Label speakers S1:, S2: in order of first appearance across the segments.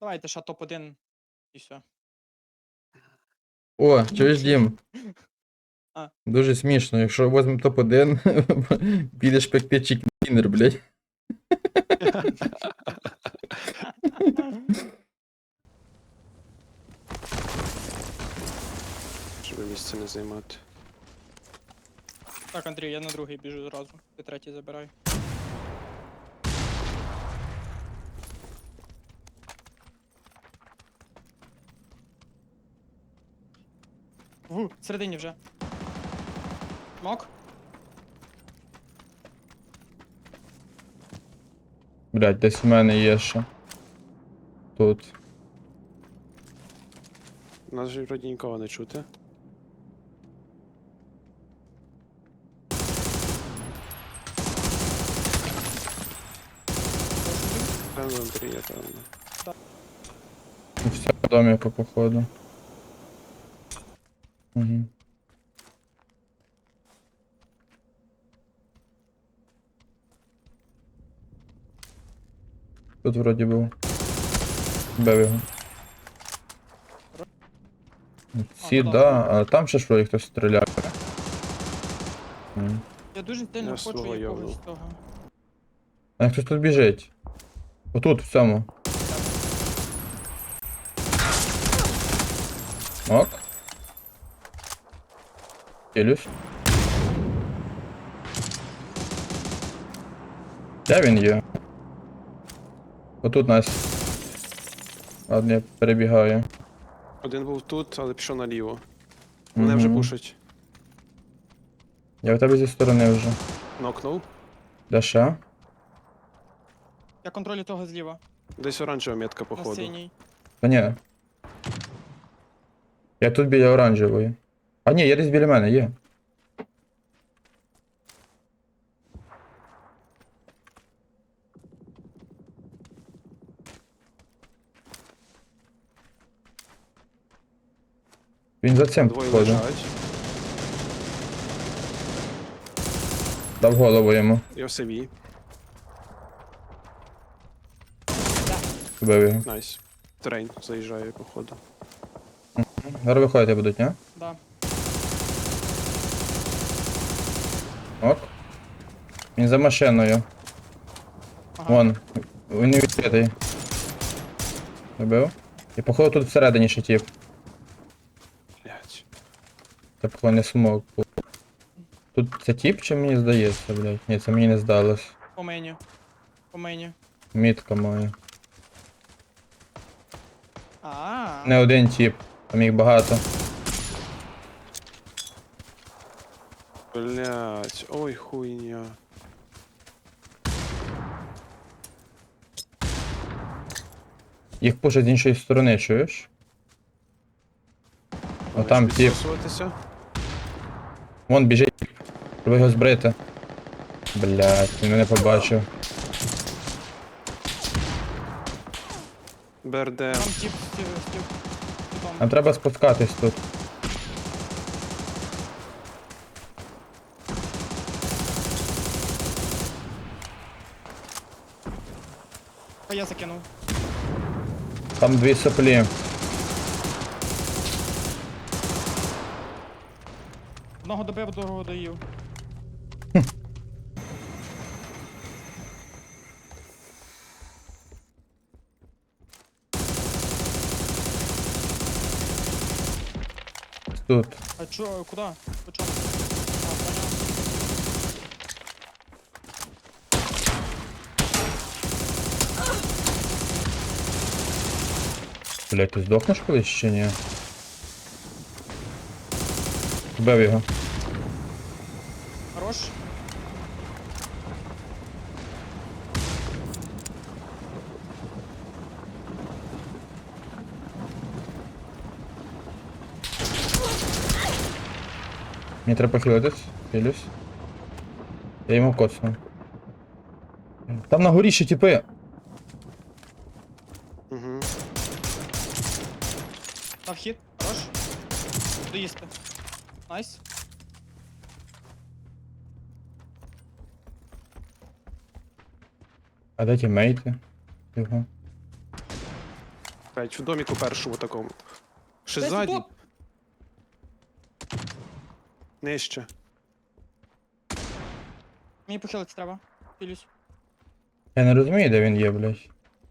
S1: Давайте ще топ-1 і все.
S2: О, чуєш, Дім?
S1: А.
S2: Дуже смішно, якщо візьмемо топ-1, підеш пекти чікінер, блядь.
S3: Щоб місце не займати.
S1: Так, Андрій, я на другий біжу зразу. Ти третій забирай. Всередині вже. Мок?
S2: Блядь, десь в мене є ще. Тут.
S3: Нас же вроді нікого не чути. Певно, Андрія, певно.
S2: І все в домі по походу. Угу. Тут вроді був. Бив його. Ці,
S1: ну
S2: да, а там ще що, хтось стріляє.
S1: Я дуже сильно
S3: Я
S1: хочу
S3: свого
S1: якогось
S3: йобнув.
S1: того.
S2: А хтось тут біжить. Отут, в цьому. Ок. Хилюсь. Де він є? Отут нас. Ладно, я перебігаю.
S3: Один був тут, але пішов наліво. Мене вже
S2: Мгм.
S3: пушать.
S2: Я в тебе зі сторони вже.
S3: Нокнув.
S2: Де ще?
S1: Я контролю того зліва.
S3: Десь оранжева метка,
S1: На
S3: походу.
S1: синій.
S2: Та ні. Я тут біля оранжевої. А ні, є десь біля мене, є. Він за цим
S3: Двоє
S2: походу.
S3: лежать.
S2: Дав голову йому.
S3: Я в севі.
S2: Вбив його.
S3: Найс. Трейн заїжджає, походу.
S2: Зараз виходити будуть, ні?
S1: Да.
S2: Ок. Він за машиною.
S1: Ага.
S2: Вон. Він не відкритий. Вбив. І походу тут всередині ще тіп.
S3: Блять.
S2: Це походу не смог. Тут це тіп чи мені здається, блядь? Ні, це мені не здалось.
S1: По мені. По мені.
S2: Мітка моя.
S1: А.
S2: Не один тіп, там їх багато.
S3: Блять. Ой, хуйня.
S2: Їх пушать з іншої сторони, чуєш? А там тіп.
S3: Підсосуватися?
S2: Вон біжить. Треба його збрити. Блядь, він мене побачив.
S3: БРД.
S1: Там тип, тип.
S2: Нам треба спускатись тут.
S1: А я закинув.
S2: Там дві соплі.
S1: Одного добив, другого доїв.
S2: Тут.
S1: А чо, куди? По чому? А, поняв.
S2: Блядь, ти здохнеш колись чи ні? Вбив його.
S1: Хорош.
S2: Мені треба похилитись. Хилюсь. Я йому коцну. Там на горі ще тіпи.
S3: Угу.
S1: Дав хід. Хорош. Доїсти. Найс.
S2: А де тімейти? Його.
S3: опять, в доміку першому такому. Ще
S1: Десь
S3: ззаді.
S1: тут.
S3: Нижче.
S1: Мені похилитися треба. Хилюсь.
S2: Я не розумію, де він є, блядь.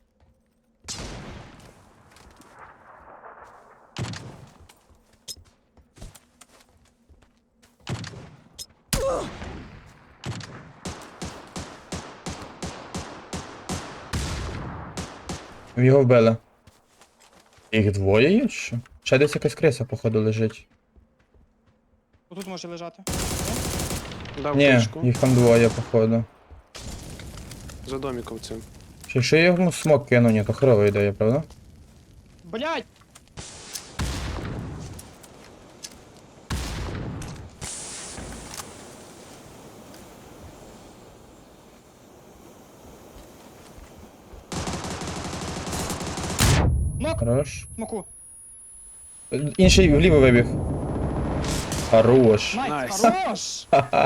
S2: Його вбили. Їх двоє є, чи що? Ще десь якась криса, походу, лежить.
S1: Отут може лежати.
S3: Дав
S2: Ні,
S3: кришку.
S2: їх там двоє, походу.
S3: За доміком цим.
S2: Що я йому смок кину, ні, то херова ідея, правда?
S1: Блять! Нок!
S2: Хорош.
S1: Смоку.
S2: Інший вліво вибіг. Хорош.
S1: Найс,
S3: Найс.
S1: хорош!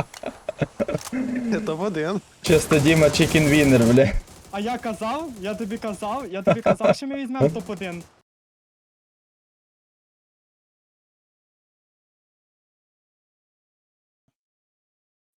S3: Це один.
S2: Чисто Діма чикен вінер, бля.
S1: А я тобі казав, що ми візьмемо топ-1.